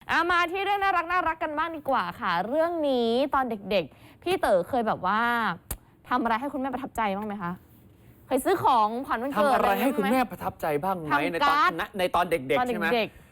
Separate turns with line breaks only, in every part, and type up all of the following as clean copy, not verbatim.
มาที่เรื่องน่ารักกันบ้างดีกว่าค่ะเรื่องนี้ตอนเด็กๆพี่เต๋อเคยแบบว่าทำอะไรให้คุณแม่ประทับใจบ้างไหมคะเคยซื้อของขวัญวันเกิด
ทำอะไรให้คุณแม่ประทับใจบ้างไหมในตอนเด็กๆใช่ไหม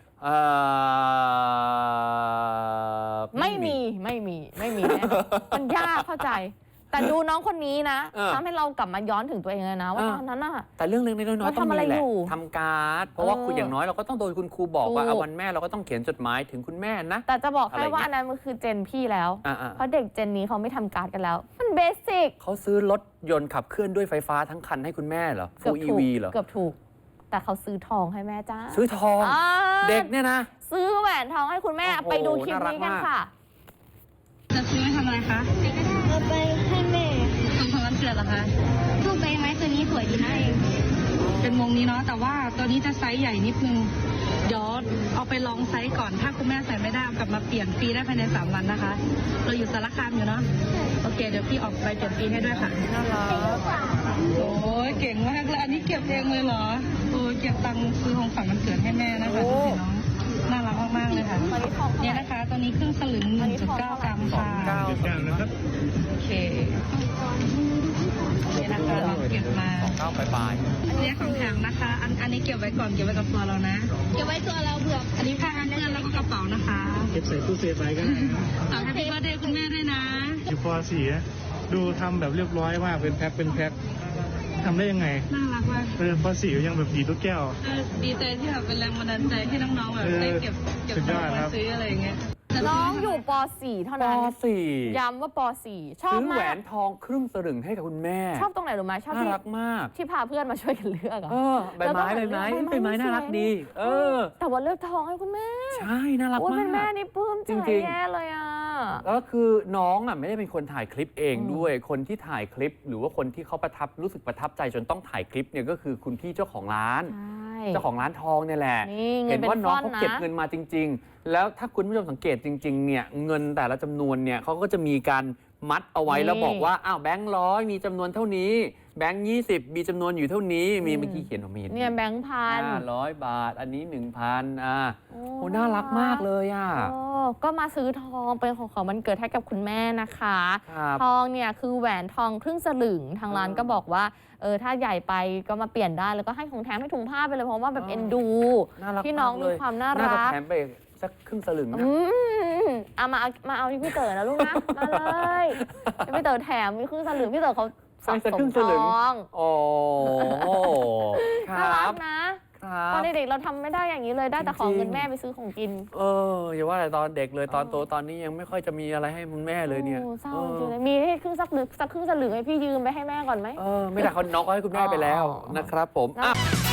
ไม่มี
มันยากเข้าใจแต่ดูน้องคนนี้นะทำให้เรากลับมาย้อนถึงตัวเองเลยนะว่าตอนนั้นน่ะ
แต่เรื่องเล็กๆน้อยๆต้องมีแหละทำการ์ดเพราะว่าคุณอย่างน้อยเราก็ต้องโดนคุณครูบอกว่าวันแม่เราก็ต้องเขียนจดหมายถึงคุณแม่นะ
แต่จะบอกให้ว่าอันนั้นมันคือเจนพี่แล้วเพราะเด็กเจนนี้เขาไม่ทำการ์ดกันแล้วมันเบสิก
เขาซื้อรถยนต์ขับเคลื่อนด้วยไฟฟ้าทั้งคันให้คุณแม่เหรอฟูล EV เหรอ
เกือบถูกแต่เขาซื้อทองให้แม่จ้า
ซื้อทองเด็กเนี่ยนะ
ซื้อแหวนทองให้คุณแม่ไปดูคลิปนี้กันค่ะ
จะซื้อไปทำอะไรคะ
เอาไปให้แม่
ของขวัญวันเกิดเหรอคะ
รูปใบไม้ตัวนี้สวยดีนะเอง
เป็นวงนี้เนาะแต่ว่าตัวนี้จะไซส์ใหญ่นิดนึงเดี๋ยวเอาไปลองไซส์ก่อนถ้าคุณแม่ใส่ไม่ได้เอากลับมาเปลี่ยนฟรีได้ภายใน3 วันนะคะเราอยู่สารคามอยู่เนาะโอเคเดี๋ยวพี่ออกไปเปลี่ยนฟรีให้ด้วยค่ะ
น่ารัก
โอ้ยเก่งมากเลยอันนี้เก็บเองเลยเหรอโอ้ยเก็บตังค์ซื้อของขวัญวันเกิดให้แม่นะคะดูสิน้องน่ารักมากๆเลยค่ะนี่นะคะตัวนี้ครึ่งสลึง 1.9 กรัมค่ะโอเคนี่นะคะเราเก็บมา
9ปลาย
อันนี้ของแถมนะคะอันนี้เก็บไว้ก่อนเก็บไว้กับตัวเรานะ
เก็บไว้ตัวเราเผื่อ
อันนี้ผ้ากันเปื้อนแล้วก็กระเป๋านะคะ
เก็บใส่ตู้เซฟไว้ก็ได้นะ
ต่อให้พี่ว่าเดย์คุณแม่ด้วยนะ
อยู่ป .4 ดูทำแบบเรียบร้อยมากเป็นแพ็คทำได้ยังไง
น่ารักมาก
ป .4 ยังแบบดีทุกแก้ว
ดีใจที่แบบเป็นแรงบันดาลใจให้น้องๆแบบได้เก็บเงินมาซื้ออะไรอย่างเงี้ย
น้องอยู่ป .4 เท่านั้น
ป .4
ย้ำว่าป .4 ชอบมาก
ซื้อแหวนทองครึ่งสลึงให้กับคุณแม่
ชอบตรงไหนรู้ไหมชอบ
น่ารักมาก
ที่พาเพื่อนมาช่วยกันเลือก
ใบไม้น่ารักดี
แต่ว่าเลือกทองให้คุณแม่
ใช่น่ารักมาก
เป็นแม่นี่ปลื้มใจแย่เลย
แล้วคือน้องไม่ได้เป็นคนถ่ายคลิปเองด้วยคนที่ถ่ายคลิปหรือว่าคนที่เขารู้สึกประทับใจจนต้องถ่ายคลิปเนี่ยก็คือคุณพี่เจ้าของร้านเจ้าของร้านทองเนี่ยแหละเห็นว่าน้องเขาเก็บเงินมาจริงๆแล้วถ้าคุณผู้ชมสังเกตจริงๆเนี่ยเงินแต่ละจำนวนเนี่ยเขาก็จะมีการมัดเอาไว้แล้วบอกว่าอ้าวแบงค์100มีจำนวนเท่านี้แบงค์20มีจำนวนอยู่เท่านี้มีเมื่อกี้เขียนออกมา
เนี่ยแบงค์
100 บาทอันนี้ 1,000โอ้น่ารักมากเลย
ก็มาซื้อทองเป็นของวันเกิดให้กับคุณแม่นะคะทองเนี่ยคือแหวนทองครึ่งสลึงทางร้านก็บอกว่าถ้าใหญ่ไปก็มาเปลี่ยนได้แล้วก็ให้ของแถมให้ถุงผ้าไปเลยเพราะว่าแบบเอ็นดูที่น้องมีความน่ารัก
แถมไปสักครึ่งสลึงนะ
มาเอาที่พี่เต๋อนะลูกนะมาเลยพี่เต๋อแถมมีครึ่งสลึงพี่เต๋อเขาสะสมทอง
โอ้
น่ารักนะตอนเด็กๆเราทำไม่ได้อย่างนี้เลยได้แต่ของเงินแม่ไปซื้อของกิน
อย่าว่าแต่ตอนเด็กเลยตอนโตตอนนี้ยังไม่ค่อยจะมีอะไรให้คุณแม่เลยเนี่ย
เศร้าจริงเลยมีให้ครึ่งสักครึ่งสลึงให้พี่ยืมไปให้แม่ก่อนไหม
ไม่ได้น้องก็ให้คุณแม่ไปแล้วนะครับผม